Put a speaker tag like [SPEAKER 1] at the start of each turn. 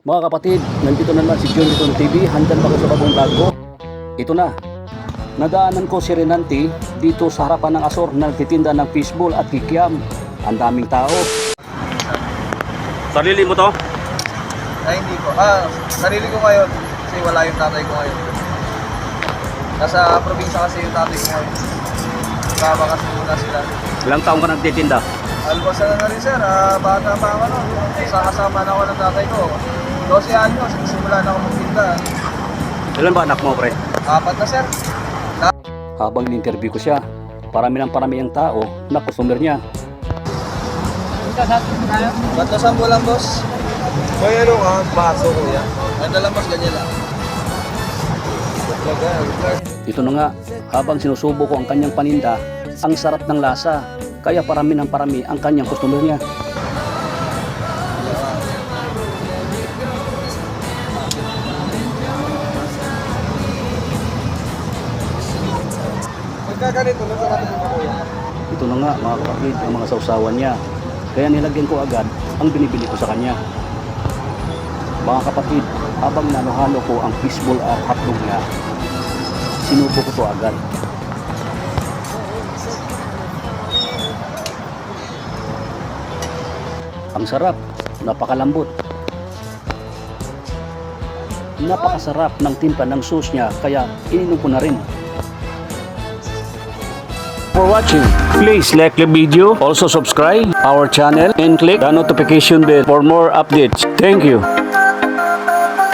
[SPEAKER 1] Mga kapatid, nandito na naman si John Liton TV. Handyan pa ko sa bagong vlog ko. Ito na. Nadaanan ko si Renante dito sa harapan ng Asor na nagtitinda ng fishball at kikiam. Ang daming tao. Sarili mo to?
[SPEAKER 2] Ay, hindi ko. Sarili ko ngayon. Kasi wala yung tatay ko ngayon. Nasa probinsya kasi yung tatay ko ngayon. Babakas muna sila.
[SPEAKER 1] Ilang taong ka nagtitinda?
[SPEAKER 2] Almost na rin sir. Bata pa ako. Kasama na ako ng tatay ko. 12 anyos. Simula na ako magtinda.
[SPEAKER 1] Ilan ba anak mo, pre?
[SPEAKER 2] 4 na sir.
[SPEAKER 1] Habang in-interview ko siya, parami ang tao na customer niya.
[SPEAKER 2] Bato sambo lang boss. May ano ka? Baso kuya. Ano lang boss, ganyan lang.
[SPEAKER 1] Ito na nga, habang sinusubo ko ang kanyang paninda, ang sarap ng lasa. Kaya parami ang kanyang customer niya.
[SPEAKER 2] Magkaganito na sa natin mo kuya.
[SPEAKER 1] Ito na nga mga kapatid, ang mga sausawan niya. Kaya nilagyan ko agad ang binibili ko sa kanya. Mga kapatid, habang nanuhalo ko ang fishball at hotdog niya, sinubo ko to agad. Ang sarap, napakalambot. Napakasarap ng timpla ng sauce niya, kaya ininom ko na rin. For watching, please like the video, also subscribe our channel and click the notification bell for more updates. Thank you.